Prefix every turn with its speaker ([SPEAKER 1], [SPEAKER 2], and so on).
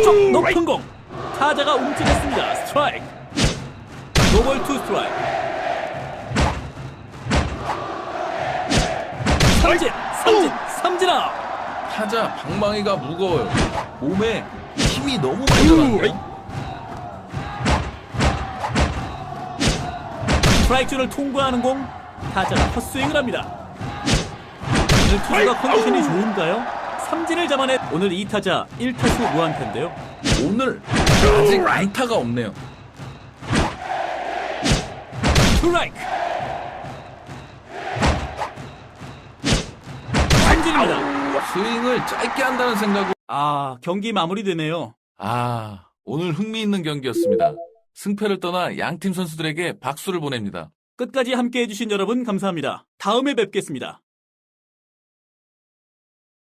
[SPEAKER 1] 왼쪽 높은 공. 타자가 움찔했습니다. 스트라이크. 노볼 투 스트라이크. 삼진 아웃.
[SPEAKER 2] 타자 방망이가 무거워요. 몸에 힘이 너무 많이 들어가요.
[SPEAKER 1] 스트라이크 존을 통과하는 공. 타자가 헛스윙을 합니다. 오늘 투수가 컨디션이 좋은가요? 삼진을 잡아낸 오늘 2타자 1타수 무안타인데요.
[SPEAKER 2] 오늘 아직 안타가 없네요.
[SPEAKER 1] 스트라이크. 삼진입니다.
[SPEAKER 2] 스윙을 짧게 한다는 생각으로
[SPEAKER 1] 경기 마무리되네요.
[SPEAKER 2] 오늘 흥미있는 경기였습니다. 승패를 떠나 양팀 선수들에게 박수를 보냅니다.
[SPEAKER 1] 끝까지 함께해 주신 여러분 감사합니다. 다음에 뵙겠습니다.